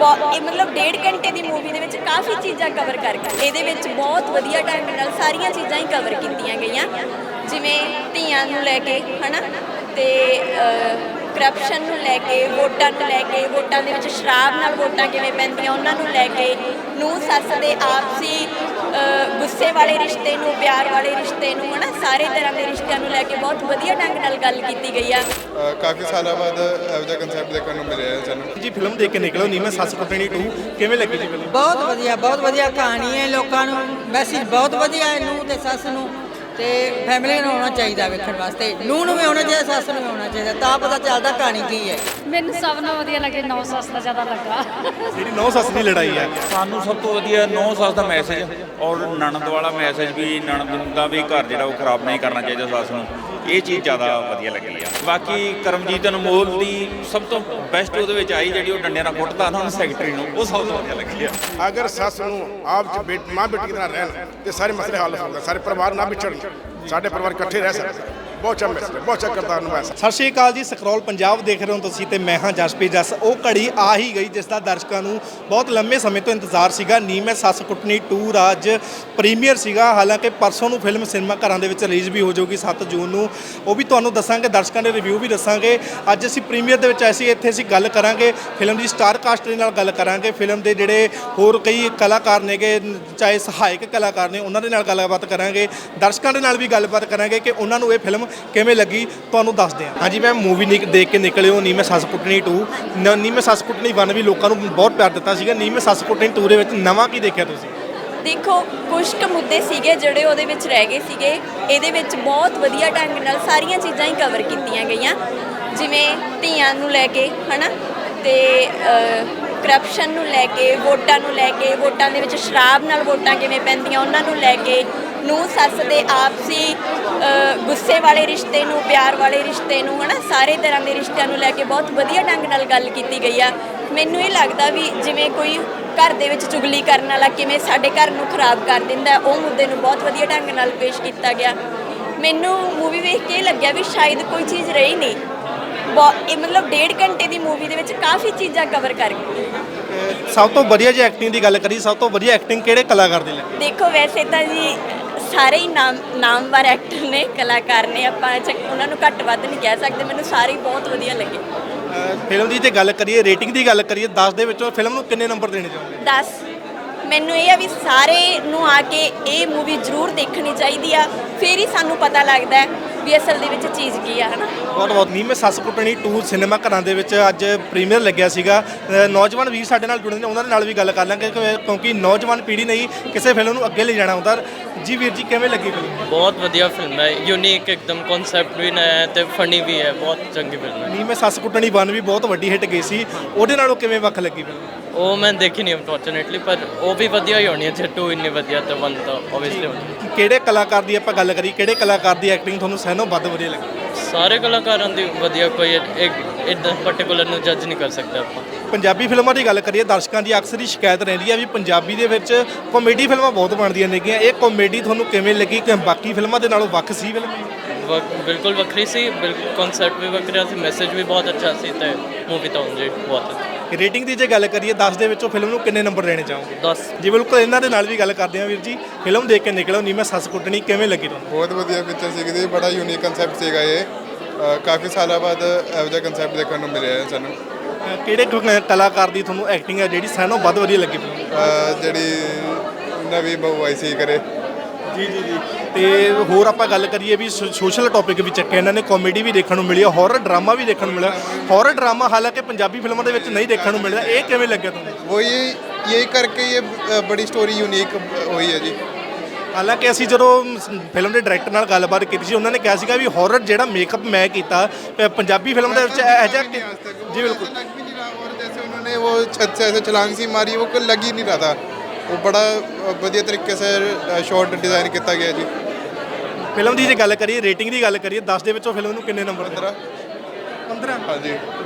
मतलब 1.5 घंटे की मूवी के काफ़ी चीज़ां कवर करके ये बहुत वधिया ढंग नाल सारियां चीज़ां ही कवर कीतियां गईयां जिवें धीआं नूं लैके है ना ते करप्शन नूं लैके वोटां नूं लैके वोटां दे विच शराब नाल वोटां किवें पैंदियां उन्हां नूं लैके नूंह सੱਸ दे आपसी गुस्से वाले रिश्ते नूं प्यार वाले रिश्ते नूं है ना सारे तरह के रिश्तिਆਂ ਨੂੰ ਲੈ ਕੇ बहुत वधिया ढंग नाल गल कीती गई आ। ਕਾਫੀ ਸਾਲਾਂ ਬਾਅਦ ਇਹੋ ਜਿਹਾ ਕਨਸੈਪਟ ਦੇਖਣ ਨੂੰ ਮਿਲਿਆ ਹੈ ਸਾਨੂੰ ਜੀ ਫਿਲਮ ਦੇਖ ਕੇ ਨਿਕਲੋ ਨੀ ਮੈਂ ਸੱਸ ਕੁੱਟਣੀ 2 ਕਿਵੇਂ ਲੱਗੀ ਜੀ ਫਿਲਮ? ਬਹੁਤ ਵਧੀਆ ਕਹਾਣੀ ਹੈ। ਲੋਕਾਂ ਨੂੰ ਮੈਸੇਜ ਬਹੁਤ ਵਧੀਆ ਹੈ ਨੂੰਹ ਤੇ ਸੱਸ ਨੂੰ ਤੇ ਫੈਮਿਲੀ ਨੂੰ ਆਉਣਾ ਚਾਹੀਦਾ ਵੇਖਣ ਵਾਸਤੇ। ਨੂੰਹ ਨੂੰ ਵੀ ਆਉਣਾ ਚਾਹੀਦਾ, ਸੱਸ ਨੂੰ ਵੀ ਆਉਣਾ ਚਾਹੀਦਾ, ਤਾਂ ਪਤਾ ਚੱਲਦਾ ਕਹਾਣੀ ਕੀ ਹੈ। ਮੈਨੂੰ ਸਭ ਨਾਲੋਂ ਵਧੀਆ ਲੱਗੇ ਨੌ ਸੱਸ ਦਾ ਜ਼ਿਆਦਾ ਲੱਗਾ। ਜਿਹੜੀ ਨੌ ਸੱਸ ਦੀ ਲੜਾਈ ਹੈ ਸਾਨੂੰ ਸਭ ਤੋਂ ਵਧੀਆ ਨੌ ਸੱਸ ਦਾ ਮੈਸੇਜ ਔਰ ਨਣਦ ਵਾਲਾ ਮੈਸੇਜ ਵੀ ਨਣਦ ਦਾ ਵੀ ਘਰ ਜਿਹੜਾ ਉਹ ਖਰਾਬ ਨਹੀਂ ਕਰਨਾ ਚਾਹੀਦਾ ਸੱਸ ਨੂੰ, ਇਹ ਚੀਜ਼ ਜ਼ਿਆਦਾ ਵਧੀਆ ਲੱਗੀ ਆ। ਬਾਕੀ ਕਰਮਜੀਤ ਅਨਮੋਲ ਦੀ ਸਭ ਤੋਂ ਬੈਸਟ ਉਹਦੇ ਵਿੱਚ ਆਈ ਜਿਹੜੀ ਉਹ ਡੰਡਿਆਂ ਨਾਲ ਕੁੱਟਦਾ ਨਾ ਉਹਨੂੰ ਸੈਕਟਰੀ ਨੂੰ, ਉਹ ਸਭ ਤੋਂ ਵਧੀਆ ਲੱਗੀ ਆ। ਅਗਰ ਸੱਸ ਨੂੰ ਆਪ ਚ ਮਾਂ ਬੇਟੀ ਦੀ ਤਰ੍ਹਾਂ ਰਹਿਣ ਤੇ ਸਾਰੇ ਮਸਲੇ ਹੱਲ ਹੋ ਸਕਦੇ, ਸਾਰੇ ਪਰਿਵਾਰ ਨਾ ਵਿਛੜਨ, ਸਾਡੇ ਪਰਿਵਾਰ ਇਕੱਠੇ ਰਹਿ ਸਕਦੇ। ਬਹੁਤ ਚੰਗਾ ਮੈਸੇਜ, ਬਹੁਤ ਚੰਗਾ ਕਿਰਦਾਰ ਨਿਭਾਇਆ। ਸਤਿ ਸ਼੍ਰੀ ਅਕਾਲ ਜੀ, ਸਕਰੋਲ ਪੰਜਾਬ ਦੇਖ ਰਹੇ ਹੋ ਤੁਸੀਂ ਤੇ ਮੈਂ ਹਾਂ ਜਸਪ੍ਰੀਤ ਜੱਸ। ਉਹ ਘੜੀ ਆ ਹੀ ਗਈ ਜਿਸ ਦਾ ਦਰਸ਼ਕਾਂ ਨੂੰ ਬਹੁਤ ਲੰਮੇ ਸਮੇਂ ਤੋਂ ਇੰਤਜ਼ਾਰ ਸੀਗਾ। ਨੀ ਮੈਂ ਸੱਸ ਕੁੱਟਣੀ 2 ਅੱਜ ਪ੍ਰੀਮੀਅਰ ਸੀਗਾ। ਹਾਲਾਂਕਿ ਪਰਸੋਂ ਨੂੰ ਫਿਲਮ ਸਿਨੇਮਾ ਘਰਾਂ ਦੇ ਵਿੱਚ ਰਿਲੀਜ਼ ਵੀ ਹੋ ਜਾਊਗੀ 7 ਜੂਨ ਨੂੰ, ਉਹ ਵੀ ਤੁਹਾਨੂੰ ਦੱਸਾਂਗੇ, ਦਰਸ਼ਕਾਂ ਦੇ ਰਿਵਿਊ ਵੀ ਦੱਸਾਂਗੇ। ਅੱਜ ਅਸੀਂ ਪ੍ਰੀਮੀਅਰ ਦੇ ਵਿੱਚ ਆਏ ਇੱਥੇ ਅਸੀਂ ਗੱਲ ਕਰਾਂਗੇ ਫਿਲਮ ਦੀ ਸਟਾਰ ਕਾਸਟ ਦੇ ਨਾਲ ਗੱਲ ਕਰਾਂਗੇ, ਫਿਲਮ ਦੇ ਜਿਹੜੇ ਹੋਰ ਕਈ ਕਲਾਕਾਰ ਨੇਗੇ ਚਾਹੇ ਸਹਾਇਕ ਕਲਾਕਾਰ ਨੇ ਉਹਨਾਂ ਦੇ ਨਾਲ ਗੱਲਬਾਤ ਕਰਾਂਗੇ, ਦਰਸ਼ਕਾਂ ਦੇ ਨਾਲ ਵੀ ਗੱਲਬਾਤ ਕਰਾਂਗੇ ਕਿ ਉਹਨਾਂ ਨੂੰ ਇਹ ਫਿਲਮ ਕਿਵੇਂ ਲੱਗੀ ਤੁਹਾਨੂੰ ਦੱਸਦੇ ਹਾਂ। ਹਾਂਜੀ ਮੈਂ ਮੂਵੀ ਦੇਖ ਕੇ ਨਿਕਲੇ ਹੋ ਨੀ ਮੈਂ ਸੱਸ ਕੁੱਟਣੀ 2, ਨੀ ਮੈਂ ਸੱਸ ਕੁੱਟਣੀ 1 ਵੀ ਲੋਕਾਂ ਨੂੰ ਬਹੁਤ ਪਿਆਰ ਦਿੱਤਾ ਸੀਗਾ, ਨੀ ਮੈਂ ਸੱਸ ਕੁੱਟਣੀ 2 ਦੇ ਵਿੱਚ ਨਵਾਂ ਕੀ ਦੇਖਿਆ ਤੁਸੀਂ? देखो कुछ क मुद्दे सीगे ਜਿਹੜੇ ਉਹਦੇ ਵਿੱਚ ਰਹਿ ਗਏ ਸੀਗੇ, ਇਹਦੇ ਵਿੱਚ ਬਹੁਤ ਵਧੀਆ ਢੰਗ ਨਾਲ ਸਾਰੀਆਂ ਚੀਜ਼ਾਂ ਹੀ ਕਵਰ ਕੀਤੀਆਂ ਗਈਆਂ ਜਿਵੇਂ ਧੀਆਂ ਨੂੰ ਲੈ ਕੇ ਹੈ ਨਾ ਤੇ ਕਰਪਸ਼ਨ ਨੂੰ ਲੈ ਕੇ ਵੋਟਾਂ ਨੂੰ ਲੈ ਕੇ ਵੋਟਾਂ ਦੇ ਵਿੱਚ ਸ਼ਰਾਬ ਨਾਲ ਵੋਟਾਂ ਕਿਵੇਂ ਪੈਂਦੀਆਂ ਉਹਨਾਂ ਨੂੰ ਲੈ ਕੇ ਨੂੰਹ ਸੱਸ ਦੇ ਆਪਸੀ ਗੁੱਸੇ ਵਾਲੇ ਰਿਸ਼ਤੇ ਨੂੰ ਪਿਆਰ ਵਾਲੇ ਰਿਸ਼ਤੇ ਨੂੰ ਹੈ ਨਾ ਸਾਰੇ ਤਰ੍ਹਾਂ ਦੇ ਰਿਸ਼ਤਿਆਂ ਨੂੰ ਲੈ ਕੇ ਬਹੁਤ ਵਧੀਆ ਢੰਗ ਨਾਲ ਗੱਲ ਕੀਤੀ ਗਈ ਆ। ਮੈਨੂੰ ਇਹ ਲੱਗਦਾ ਵੀ ਜਿਵੇਂ ਕੋਈ ਘਰ ਦੇ ਵਿੱਚ ਚੁਗਲੀ ਕਰਨ ਵਾਲਾ ਕਿਵੇਂ ਸਾਡੇ ਘਰ ਨੂੰ ਖਰਾਬ ਕਰ ਦਿੰਦਾ, ਉਹ ਮੁੱਦੇ ਨੂੰ ਬਹੁਤ ਵਧੀਆ ਢੰਗ ਨਾਲ ਪੇਸ਼ ਕੀਤਾ ਗਿਆ। ਮੈਨੂੰ ਮੂਵੀ ਵੇਖ ਕੇ ਲੱਗਿਆ ਵੀ ਸ਼ਾਇਦ ਕੋਈ ਚੀਜ਼ ਰਹੀ ਨਹੀਂ, मतलब 1.5 घंटे की मूवी के काफ़ी चीज़ा कवर कर गई। सब तो वधिया जी एक्टिंग की गल करी, सब तो वधिया एक्टिंग किहड़े कलाकार दी लगी? देखो वैसे तो जी सारे ही नामवर एक्टर ने कलाकार ने, आपां उन्होंने घੱਟ ਵੱਧ नहीं कह सकते, मैंने सारे ही बहुत वधिया लगे। फिल्म की जो गल करिए रेटिंग की गल करिए 10 ਦੇ ਵਿੱਚੋਂ फिल्म ਨੂੰ ਕਿੰਨੇ ਨੰਬਰ ਦੇਣੇ ਚਾਹੁੰਦੇ? 10। ਮੈਨੂੰ ਇਹ ਆ ਵੀ ਸਾਰੇ ਨੂੰ ਆ ਕੇ ਇਹ ਮੂਵੀ ਜ਼ਰੂਰ ਦੇਖਣੀ ਚਾਹੀਦੀ ਆ, ਫਿਰ ਹੀ ਸਾਨੂੰ ਪਤਾ ਲੱਗਦਾ ਵੀ ਅਸਲ ਦੇ ਵਿੱਚ ਚੀਜ਼ ਕੀ ਆ, ਹਨਾ। ਬਹੁਤ ਨੀ ਮੈਂ ਸੱਸ ਕੁੱਟਣੀ 2 ਸਿਨੇਮਾ ਘਰਾਂ ਦੇ ਵਿੱਚ ਅੱਜ ਪ੍ਰੀਮੀਅਰ ਲੱਗਿਆ ਸੀਗਾ। ਨੌਜਵਾਨ ਵੀਰ ਸਾਡੇ ਨਾਲ ਜੁੜੇ ਨੇ, ਉਹਨਾਂ ਦੇ ਨਾਲ ਵੀ ਗੱਲ ਕਰ ਲਾਂਗੇ ਕਿਉਂਕਿ ਨੌਜਵਾਨ ਪੀੜ੍ਹੀ ਨਹੀਂ ਕਿਸੇ ਫਿਲਮ ਨੂੰ ਅੱਗੇ ਲੈ ਜਾਣਾ ਹੁੰਦਾ। ਜੀ ਵੀਰ ਜੀ ਕਿਵੇਂ ਲੱਗੀ ਫਿਲਮ? ਬਹੁਤ ਵਧੀਆ ਫਿਲਮ ਹੈ, ਯੂਨੀਕ ਇੱਕਦਮ ਕਨਸੈਪਟ ਵੀ ਨਇਆ ਹੈ ਤੇ ਫਨੀ ਵੀ ਹੈ, ਬਹੁਤ ਚੰਗੀ ਫਿਲਮ ਹੈ। ਨੀ ਮੈਂ ਸੱਸ ਕੁੱਟਣੀ 1 ਵੀ ਬਹੁਤ ਵੱਡੀ ਹਿੱਟ ਗਈ ਸੀ, ਉਹਦੇ ਨਾਲੋਂ ਕਿਵੇਂ ਵੱਖ ਲੱਗੀ ਫਿਲਮ? ਉਹ ਮੈਂ ਦੇਖੀ ਨਹੀਂ ਅਨਫੋਰਚੂਨੇਟਲੀ, ਪਰ ਉਹ ਵੀ ਵਧੀਆ ਹੀ ਹੋਣੀ ਹੈ ਜੇ 2 ਇੰਨੀ ਵਧੀਆ ਤਾਂ 1 ਤਾਂ ਓਬਵੀਅਸਲੀ ਹੋਣੀ। ਕਿਹੜੇ ਕਲਾਕਾਰ ਦੀ ਆਪਾਂ ਗੱਲ ਕਰੀ, ਕਿਹੜੇ ਕਲਾਕਾਰ ਦੀ ਐਕਟਿੰਗ ਤੁਹਾਨੂੰ ਸਹਿਨੋਂ ਵੱਧ ਵਧੀਆ ਲੱਗੀ? ਸਾਰੇ ਕਲਾਕਾਰਾਂ ਦੀ ਵਧੀਆ, ਕੋਈ ਇੱਕ ਇੱਦਾਂ ਪਰਟੀਕੂਲਰ ਨੂੰ ਜੱਜ ਨਹੀਂ ਕਰ ਸਕਦੇ ਆਪਾਂ। ਪੰਜਾਬੀ ਫਿਲਮਾਂ ਦੀ ਗੱਲ ਕਰੀਏ, ਦਰਸ਼ਕਾਂ ਦੀ ਅਕਸਰ ਹੀ ਸ਼ਿਕਾਇਤ ਰਹਿੰਦੀ ਹੈ ਵੀ ਪੰਜਾਬੀ ਦੇ ਵਿੱਚ ਕਾਮੇਡੀ ਫਿਲਮਾਂ ਬਹੁਤ ਬਣਦੀਆਂ ਨੇਗੀਆਂ, ਇਹ ਕਾਮੇਡੀ ਤੁਹਾਨੂੰ ਕਿਵੇਂ ਲੱਗੀ ਕਿ ਬਾਕੀ ਫਿਲਮਾਂ ਦੇ ਨਾਲੋਂ ਵੱਖ ਸੀ ਫਿਲਮ? ਬਿਲਕੁਲ ਵੱਖਰੀ ਸੀ, ਬਿਲਕੁਲ ਕਨਸੈਪਟ ਵੀ ਵੱਖਰਾ ਸੀ, ਮੈਸੇਜ ਵੀ ਬਹੁਤ ਅੱਛਾ ਸੀ ਤੇ ਮੂਵੀ ਤਾਂ ਉਂਝ ਬਹੁਤ ਅੱਛੀ। ਰੇਟਿੰਗ ਦੀ ਜੇ ਗੱਲ ਕਰੀਏ 10 ਦੇ ਵਿੱਚੋਂ ਫਿਲਮ ਨੂੰ ਕਿੰਨੇ ਨੰਬਰ ਦੇਣੇ ਚਾਹੋਗੇ? 10। ਜੀ ਬਿਲਕੁਲ, ਇਹਨਾਂ ਦੇ ਨਾਲ ਵੀ ਗੱਲ ਕਰਦੇ ਹਾਂ ਵੀਰ ਜੀ। ਫਿਲਮ ਦੇਖ ਕੇ ਨਿਕਲੋ ਨੀ ਮੈਂ ਸੱਸ ਕੁੱਟਣੀ ਕਿਵੇਂ ਲੱਗੀ ਤੁਹਾਨੂੰ? ਬਹੁਤ ਵਧੀਆ ਪਿਕਚਰ ਸੀਗੀ ਜੀ, ਬੜਾ ਯੂਨੀਕ ਕਨਸੈਪਟ ਸੀਗਾ ਇਹ। ਕਾਫੀ ਸਾਲਾਂ ਬਾਅਦ ਇਹੋ ਜਿਹਾ ਕਨਸੈਪਟ ਦੇਖਣ ਨੂੰ ਮਿਲਿਆ ਹੈ ਸਾਨੂੰ। ਕਿਹੜੇ ਕਲਾਕਾਰ ਦੀ ਤੁਹਾਨੂੰ ਐਕਟਿੰਗ ਹੈ ਜਿਹੜੀ ਸਾਨੂੰ ਵੱਧ ਵਧੀਆ ਲੱਗੀ? ਜਿਹੜੀ ਨਵੀਂ ਬਹੂ ਆਈ ਸੀ ਕਰੇ। ਜੀ ਜੀ ਜੀ। ਤੇ ਹੋਰ ਆਪਾਂ ਗੱਲ ਕਰੀਏ ਵੀ ਸੋਸ਼ਲ ਟੌਪਿਕ ਵੀ ਚੱਕਿਆ ਇਹਨਾਂ ਨੇ, ਕਾਮੇਡੀ ਵੀ ਦੇਖਣ ਨੂੰ ਮਿਲੀ, ਹੌਰਰ ਡਰਾਮਾ ਵੀ ਦੇਖਣ ਨੂੰ ਮਿਲਿਆ। ਹੌਰਰ ਡਰਾਮਾ ਹਾਲਾਂਕਿ ਪੰਜਾਬੀ ਫਿਲਮਾਂ ਦੇ ਵਿੱਚ ਨਹੀਂ ਦੇਖਣ ਨੂੰ ਮਿਲਦਾ, ਇਹ ਕਿਵੇਂ ਲੱਗਿਆ ਤੁਹਾਨੂੰ? वो यही करके ये बड़ी स्टोरी यूनिक हुई है जी। ਹਾਲਾਂਕਿ ਅਸੀਂ ਜਦੋਂ ਫਿਲਮ ਦੇ ਡਾਇਰੈਕਟਰ ਨਾਲ ਗੱਲਬਾਤ ਕੀਤੀ ਸੀ, ਉਹਨਾਂ ਨੇ ਕਿਹਾ ਸੀਗਾ ਵੀ ਹੌਰਰ ਜਿਹੜਾ ਮੇਕਅਪ ਮੈਂ ਕੀਤਾ ਪੰਜਾਬੀ ਫਿਲਮ ਦੇ ਵਿੱਚ ਇਹੋ ਜਿਹਾ ਜੀ ਬਿਲकुल लग भी नहीं रहा, और जैसे उन्होंने वो छत से ऐसे छलांग सी मारी, वो लग ही नहीं रहा था। वो बड़ा बढ़िया तरीके से शॉट डिज़ाइन किया गया जी। ਫਿਲਮ ਦੀ ਜੇ ਗੱਲ ਕਰੀਏ, ਰੇਟਿੰਗ ਦੀ ਗੱਲ ਕਰੀਏ 10 ਦੇ ਵਿੱਚੋਂ ਫਿਲਮ ਨੂੰ ਕਿੰਨੇ ਨੰਬਰ? 15। 15। हाँ जी।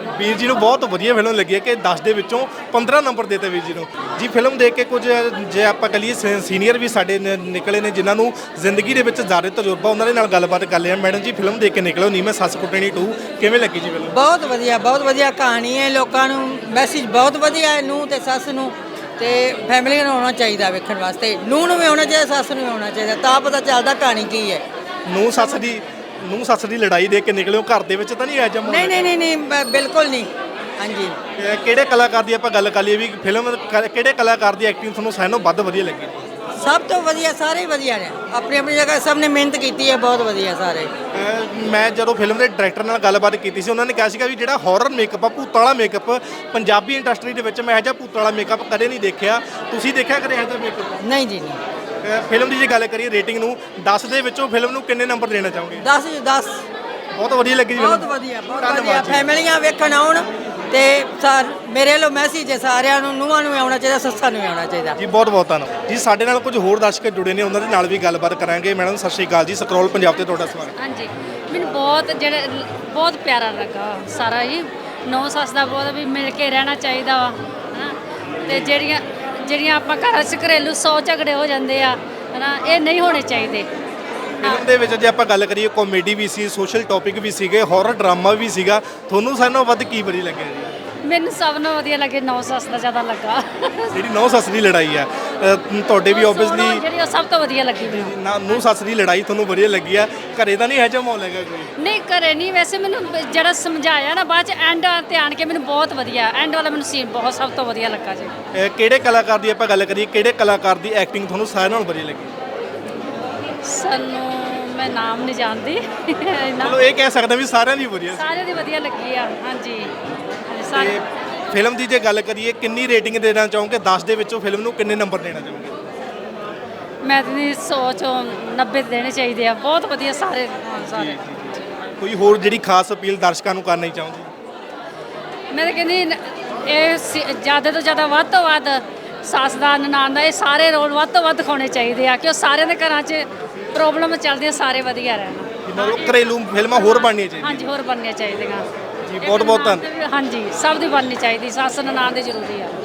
ਵੀਰ ਜੀ ਨੂੰ ਬਹੁਤ ਵਧੀਆ ਫਿਲਮ ਲੱਗੀ ਹੈ ਕਿ 10 ਦੇ ਵਿੱਚੋਂ 15 ਨੰਬਰ ਦਿੱਤੇ ਵੀਰ ਜੀ ਨੂੰ ਜੀ। ਫਿਲਮ ਦੇਖ ਕੇ ਕੁਝ ਜੇ ਆਪਾਂ ਕਹੀਏ ਸੀਨੀਅਰ ਵੀ ਸਾਡੇ ਨਿਕਲੇ ਨੇ ਜਿਨ੍ਹਾਂ ਨੂੰ ਜ਼ਿੰਦਗੀ ਦੇ ਵਿੱਚ ਜ਼ਿਆਦਾ ਤਜਰਬਾ, ਉਹਨਾਂ ਦੇ ਨਾਲ ਗੱਲਬਾਤ ਕਰ ਲਿਆ। ਮੈਡਮ ਜੀ ਫਿਲਮ ਦੇਖ ਕੇ ਨਿਕਲੋ ਨੀ ਮੈਂ ਸੱਸ ਕੁੱਟਣੀ 2 ਕਿਵੇਂ ਲੱਗੀ ਜੀ ਫਿਲਮ? ਬਹੁਤ ਵਧੀਆ ਕਹਾਣੀ ਹੈ। ਲੋਕਾਂ ਨੂੰ ਮੈਸੇਜ ਬਹੁਤ ਵਧੀਆ ਹੈ, ਨੂੰਹ ਤੇ ਸੱਸ ਨੂੰ ਤੇ ਫੈਮਿਲੀ ਨੂੰ ਆਉਣਾ ਚਾਹੀਦਾ ਵੇਖਣ ਵਾਸਤੇ। ਨੂੰਹ ਨੂੰ ਵੀ ਆਉਣਾ ਚਾਹੀਦਾ, ਸੱਸ ਨੂੰ ਵੀ ਆਉਣਾ ਚਾਹੀਦਾ, ਤਾਂ ਪਤਾ ਚੱਲਦਾ ਕਹਾਣੀ ਕੀ ਹੈ। ਨੂੰਹ ਸੱਸ ਦੀ ਲੜਾਈ ਦੇਖ ਕੇ ਨਿਕਲਿਓ, ਘਰ ਦੇ ਵਿੱਚ ਤਾਂ ਨਹੀਂ ਆ ਜਮ? ਨਹੀਂ ਬਿਲਕੁਲ ਨਹੀਂ। ਹਾਂਜੀ, ਕਿਹੜੇ ਕਲਾਕਾਰ ਦੀ ਆਪਾਂ ਗੱਲ ਕਰ ਲਈਏ ਵੀ ਫਿਲਮ ਕਿਹੜੇ ਕਲਾਕਾਰ ਦੀ ਐਕਟਿੰਗ ਤੁਹਾਨੂੰ ਸਾਰਿਆਂ ਨਾਲੋਂ ਵੱਧ ਵਧੀਆ ਲੱਗੀ? ਸਭ ਤੋਂ ਵਧੀਆ, ਸਾਰੇ ਹੀ ਵਧੀਆ ਨੇ, ਆਪਣੀ ਆਪਣੀ ਜਗ੍ਹਾ ਸਭ ਨੇ ਮਿਹਨਤ ਕੀਤੀ ਹੈ, ਬਹੁਤ ਵਧੀਆ ਸਾਰੇ। ਮੈਂ ਜਦੋਂ ਫਿਲਮ ਦੇ ਡਾਇਰੈਕਟਰ ਨਾਲ ਗੱਲਬਾਤ ਕੀਤੀ ਸੀ, ਉਹਨਾਂ ਨੇ ਕਿਹਾ ਸੀਗਾ ਵੀ ਜਿਹੜਾ ਹਾਰਰ ਮੇਕਅਪ ਆ, ਭੂਤਾਂ ਵਾਲਾ ਮੇਕਅਪ ਪੰਜਾਬੀ ਇੰਡਸਟਰੀ ਦੇ ਵਿੱਚ ਮੈਂ ਇਹੋ ਜਿਹਾ ਭੂਤਾਂ ਵਾਲਾ ਮੇਕਅਪ ਕਦੇ ਨਹੀਂ ਦੇਖਿਆ। ਤੁਸੀਂ ਦੇਖਿਆ ਕਦੇ ਇਹੋ ਜਿਹਾ ਮੇਕਅਪ? ਨਹੀਂ ਜੀ, ਨਹੀਂ। ਫਿਲਮ ਦੀ ਜੇ ਗੱਲ ਕਰੀਏ ਰੇਟਿੰਗ ਨੂੰ 10 ਦੇ ਵਿੱਚੋਂ ਫਿਲਮ ਨੂੰ ਕਿੰਨੇ ਨੰਬਰ ਦੇਣਾ ਚਾਹੋਗੇ? 10 ਬਹੁਤ ਵਧੀਆ ਲੱਗੀ ਜੀ ਬਹੁਤ ਫਿਲਮ। ਵਧੀਆ ਧੰਨਵਾਦ ਜੀ। ਫੈਮਿਲੀਆਂ ਵੇਖਣ ਆਉਣ ਤੇ ਮੇਰੇ ਵੱਲੋਂ ਮੈਸੇਜ ਹੈ ਸਾਰਿਆਂ ਨੂੰ, ਨੂੰਹਾਂ ਨੂੰ ਵੀ ਆਉਣਾ ਚਾਹੀਦਾ, ਸੱਸਾਂ ਨੂੰ ਵੀ ਆਉਣਾ ਚਾਹੀਦਾ ਜੀ। ਬਹੁਤ ਬਹੁਤ ਧੰਨਵਾਦ ਜੀ। ਸਾਡੇ ਨਾਲ ਕੁਝ ਹੋਰ ਦਰਸ਼ਕ ਜੁੜੇ ਨੇ, ਉਹਨਾਂ ਦੇ ਨਾਲ ਵੀ ਗੱਲਬਾਤ ਕਰਾਂਗੇ। ਮੈਡਮ ਸਤਿ ਸ਼੍ਰੀ ਅਕਾਲ ਜੀ, ਸਕਰੋਲ ਪੰਜਾਬ ਤੇ ਤੁਹਾਡਾ ਸਵਾਗਤ। ਹਾਂਜੀ, ਮੈਨੂੰ ਬਹੁਤ ਪਿਆਰਾ ਲੱਗਾ ਸਾਰਾ ਹੀ। ਨੌ ਸੱਸ ਦਾ ਬਹੁਤ ਵੀ ਮਿਲ ਕੇ ਰਹਿਣਾ ਚਾਹੀਦਾ ਵਾ, ਹਨਾ। ਤੇ ਜਿਹੜੀਆਂ ਆਪਾਂ ਘਰਾਂ 'ਚ ਘਰੇਲੂ 100 ਝਗੜੇ ਹੋ ਜਾਂਦੇ ਆ, ਹਨਾ, ਇਹ ਨਹੀਂ ਹੋਣੇ ਚਾਹੀਦੇ। ਫਿਲਮ ਦੇ ਵਿੱਚ ਜੇ ਆਪਾਂ ਗੱਲ ਕਰੀਏ ਕਾਮੇਡੀ ਵੀ ਸੀ, ਸੋਸ਼ਲ ਟੌਪਿਕ ਵੀ ਸੀਗੇ, ਹਾਰਰ ਡਰਾਮਾ ਵੀ ਸੀਗਾ। ਤੁਹਾਨੂੰ ਸਾਰਿਆਂ ਨਾਲੋਂ ਵੱਧ ਕੀ ਵਧੀਆ ਲੱਗਿਆ ਜੀ? ਮੈਨੂੰ ਸਭ ਨੂੰ ਵਧੀਆ ਲੱਗੇ, ਨੌ ਸੱਸ ਦਾ ਜ਼ਿਆਦਾ ਲੱਗਾ। ਜਿਹੜੀ ਨੌ ਸੱਸ ਦੀ ਲੜਾਈ ਆ, ਤੁਹਾਡੇ ਵੀ ਆਬਵੀਅਸਲੀ ਜਿਹੜੀ ਉਹ ਸਭ ਤੋਂ ਵਧੀਆ ਲੱਗੀ ਮੈਨੂੰ। ਨੌ ਸੱਸ ਦੀ ਲੜਾਈ ਤੁਹਾਨੂੰ ਵਧੀਆ ਲੱਗੀ ਆ। ਘਰੇ ਤਾਂ ਨਹੀਂ ਇਹੋ ਜਿਹਾ ਮਾਹੌਲ ਹੈਗਾ ਕੋਈ? ਨਹੀਂ, ਘਰੇ ਨਹੀਂ। ਵੈਸੇ ਮੈਨੂੰ ਜਿਹੜਾ ਸਮਝਾਇਆ ਨਾ ਬਾਅਦ ਚ ਐਂਡ ਤੇ ਆਣ ਕੇ, ਮੈਨੂੰ ਬਹੁਤ ਵਧੀਆ ਐਂਡ ਵਾਲਾ ਮੈਨੂੰ ਸੀਨ ਬਹੁਤ ਸਭ ਤੋਂ ਵਧੀਆ ਲੱਗਾ ਜੀ। ਕਿਹੜੇ ਕਲਾਕਾਰ ਦੀ ਆਪਾਂ ਗੱਲ ਕਰੀਏ, ਕਿਹੜੇ ਕਲਾਕਾਰ ਦੀ ਐਕਟਿੰਗ ਤੁਹਾਨੂੰ ਸਾਰਿਆਂ ਨਾਲੋਂ ਵਧੀਆ ਲੱਗੀ? ਸਾਨੂੰ ਮੈਂ ਨਾਮ ਨਹੀਂ ਜਾਣਦੀ ਚਲੋ ਇਹ ਕਹਿ ਸਕਦਾ ਵੀ ਸਾਰਿਆਂ ਦੀ ਵਧੀਆ ਸੀ। ਸਾਰਿਆਂ ਦੀ ਵਧੀਆ ਲੱਗੀ ਆ। ਹਾਂਜੀ, ਤੇ ਫਿਲਮ ਦੀ ਜੇ ਗੱਲ ਕਰੀਏ ਕਿੰਨੀ ਰੇਟਿੰਗ ਦੇਣਾ ਚਾਹੋਗੇ? 10 ਦੇ ਵਿੱਚੋਂ ਫਿਲਮ ਨੂੰ ਕਿੰਨੇ ਨੰਬਰ ਦੇਣਾ ਚਾਹੋਗੇ? ਮੈਂ ਤਾਂ 100 ਚੋਂ 90 ਦੇਣੇ ਚਾਹੀਦੇ ਆ। ਬਹੁਤ ਵਧੀਆ ਸਾਰੇ। ਕੋਈ ਹੋਰ ਜਿਹੜੀ ਖਾਸ ਅਪੀਲ ਦਰਸ਼ਕਾਂ ਨੂੰ ਕਰਨੀ ਚਾਹੁੰਦੇ? ਮੈਂ ਤਾਂ ਕਹਿੰਦੀ ਇਹ ਜ਼ਿਆਦਾ ਤੋਂ ਜ਼ਿਆਦਾ ਵੱਧ ਤੋਂ ਵੱਧ ਸੱਸ ਦਾ, ਨਨਾਣ ਦਾ, ਇਹ ਸਾਰੇ ਰੋਲ ਵੱਧ ਤੋਂ ਵੱਧ ਦਿਖਾਉਣੇ ਚਾਹੀਦੇ ਆ ਕਿ ਉਹ ਸਾਰਿਆਂ ਦੇ ਘਰਾਂ 'ਚ ਪ੍ਰੋਬਲਮ ਚੱਲਦੀਆਂ, ਸਾਰੇ ਵਧੀਆ ਰਹਿਣ। ਮਤਲਬ ਘਰੇਲੂ ਫਿਲਮਾਂ ਹੋਰ ਬਣਨੀਆਂ ਚਾਹੀਦੀਆਂ? ਹਾਂਜੀ, ਹੋਰ ਬਣਨੀਆਂ ਚਾਹੀਦੀਆਂ ਜੀ। ਬਹੁਤ ਧੰਨਵਾਦ। ਹਾਂਜੀ, ਸਭ ਦੀ ਬਣਨੀ ਚਾਹੀਦੀ, ਸੱਸ ਨਨਾਣ ਦੀ ਜ਼ਰੂਰੀ ਆ।